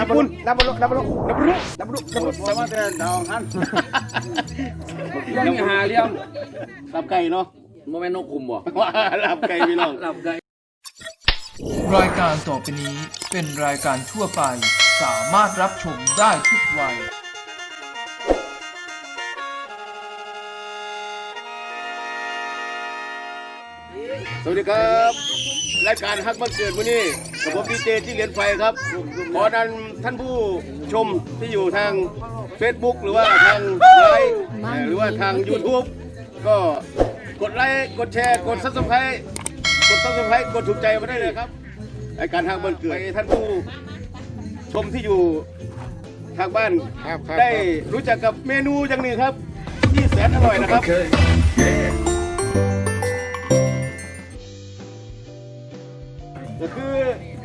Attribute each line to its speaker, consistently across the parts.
Speaker 1: ญี่ปุ่นนับบุรุสมาแต่ดาวฮันยังหาเลี้ยงลาบไก่เนาะโมเมนต์นกคุมบ่ว่าลาบไก่พี่น้องลาบไก่
Speaker 2: รายการต่อไปนี้เป็นรายการทั่วไปสามารถรับชมได้ทุกวัย
Speaker 1: สวัสดีครับรายการฮักบันเกิดมื้อนี้กับผมดีเจที่เหรียญไฟครับขอนั้นท่านผู้ชมที่อยู่ทาง Facebook หรือว่าทางไลน์หรือว่าทาง YouTube ก็กดไลค์กดแชร์กด Subscribe กดถูกใจมาได้เลยครับรายการฮักบันเกิดท่านผู้ชมที่อยู่ทางบ้านได้รู้จักกับเมนูอย่างหนึ่งครับที่แสนอร่อยนะครับก็คือ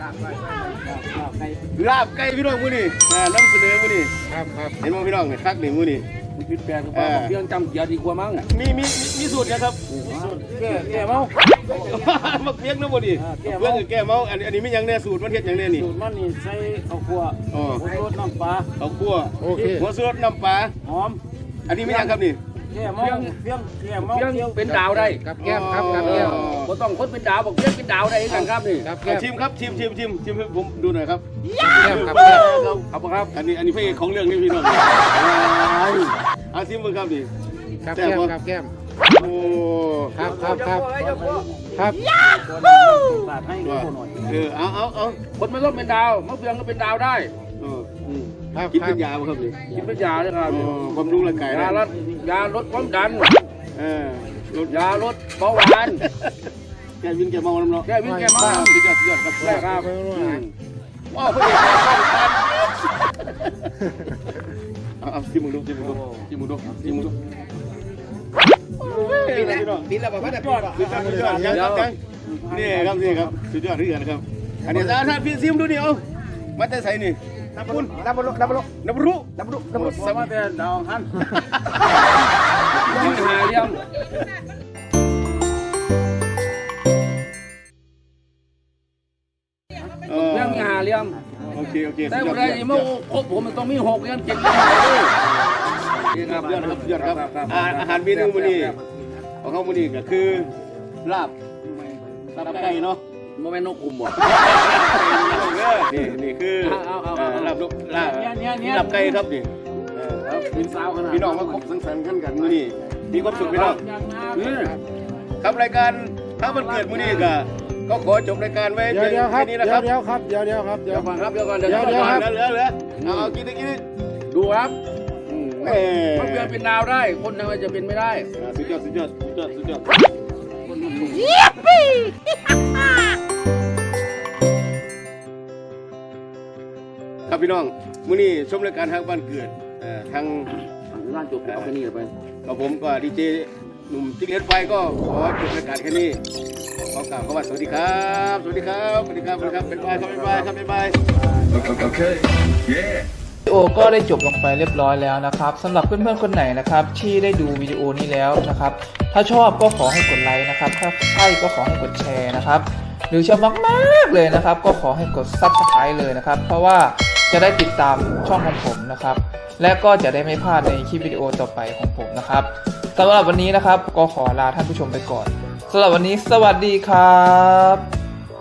Speaker 1: ลาบไก่พี่น้องมื้อนี้นำเสนอมื้อนี้ครับเห็นมั้ยพี่น้องเนี่ยคักนี่มื้อนี้คิดแปลงว่าเพียงจำเกียร์ดีกว่ามั้งมีสูตรนะครับสูตรแก้เมามาเพียงนะบ่ดิเพื่อนแก้เมาอันนี้มีหยังแน่สูตรมันเฮ็ดหยังแน่นี่
Speaker 3: สูตรมันนี่ใส่ข้าวคั่วหัวรสน้ำปลา
Speaker 1: ข้าวคั่วหัวรสน้ำปลา
Speaker 3: หอม
Speaker 1: อันนี้มีหยังครับนี่
Speaker 3: แก้เมาเพียง
Speaker 4: เป็นดาวได้
Speaker 1: กับแก้มครับกับแก้ม
Speaker 4: บ่ต้องคนเป็นดาวบอกเพียงเป็นดาวได้กันครับนี่
Speaker 1: ชิมครับชิมให้ผมดูหน่อยครับ
Speaker 4: แก้มครับครับ
Speaker 1: อันนี้พระเอกของเรื่องนี่พี่น้องเอาชิมมึงครับดิ
Speaker 4: กับแก้มกับแก้ม
Speaker 1: โอ้
Speaker 4: ครับ
Speaker 3: ให้ดูหน่อย
Speaker 1: เอา
Speaker 4: คนไม่ต้องเป็นดาวมะเฟืองก็เป็นดาวได้
Speaker 1: กินเป็นยาครับดิ
Speaker 4: กินเป็นยาเลยครับ
Speaker 1: บำรุงร่างกาย
Speaker 4: ยาลดความดันยาลดเบาหวาน
Speaker 1: แกวินแกเมาแล้วเนาะ
Speaker 4: แกวินแกเมา
Speaker 1: สุดยอดครับ
Speaker 4: แรกครับ
Speaker 1: ว้าวพระเอกเอาชิมมึงดูปีละประมาณนี้ยังนี่ครับสุดยอดที่เกินครับอันนี้ท่านพี่ซิมดูนี่เอามาแต่ใส่นี่นับรุ
Speaker 3: สมาแต่ดาวฮัน
Speaker 4: ยังหาเลี้ยงยังหาเลี้ยง
Speaker 1: โอเค
Speaker 4: แต่วันนี้เมื่อครบผมมันต้องมี6เลี้ยง7เลี้ยงด้วย
Speaker 1: ครับยอดครับอาหารเมนูมื้อนี้ของเขามื้อนี้ก็คือลาบไก่เนาะ
Speaker 4: โมเมนต์นกคุมบ่
Speaker 1: นี่คือลาบไก่ครับนี่
Speaker 4: เป็นสาวขนาด
Speaker 1: พี่น้องมาคบสังสรรค์กันมื้อนี้มีความสุขพี่น้องครับรายการถ้ามันเกิดมื้อนี้ก็ขอจบรายการไว้แค่นี้นะครับ
Speaker 4: เดี๋ยวก่อนเหลือ
Speaker 1: เอากิน
Speaker 4: ดูครับมันเป็นดาวได้คนทำไมจะเป็นไม่ได้
Speaker 1: สุดยอดครับพี่น้องมื้อนี้ชมรายการทางบ้านเกิดทาง
Speaker 4: ร้านจบเอาแค่นี้ไป
Speaker 1: กับผมก็ดีเจหนุ่มจิ๊กเล็ดไฟก็ขอจบรายการแค่นี้ขอกล่าวคำว่าสวัสดีครับบ๊ายบาย
Speaker 2: โอเควิดีโอก็ได้จบลงไปเรียบร้อยแล้วนะครับสำหรับเพื่อนๆคนไหนนะครับที่ได้ดูวิดีโอนี้แล้วนะครับถ้าชอบก็ขอให้กดไลค์นะครับถ้าใช่ก็ขอให้กดแชร์นะครับหรือชอบมากๆเลยนะครับก็ขอให้กด Subscribe เลยนะครับเพราะว่าจะได้ติดตามช่องของผมนะครับและก็จะได้ไม่พลาดในคลิปวิดีโอต่อไปของผมนะครับสำหรับวันนี้นะครับก็ขอลาท่านผู้ชมไปก่อนสำหรับวันนี้สวัสดีครับ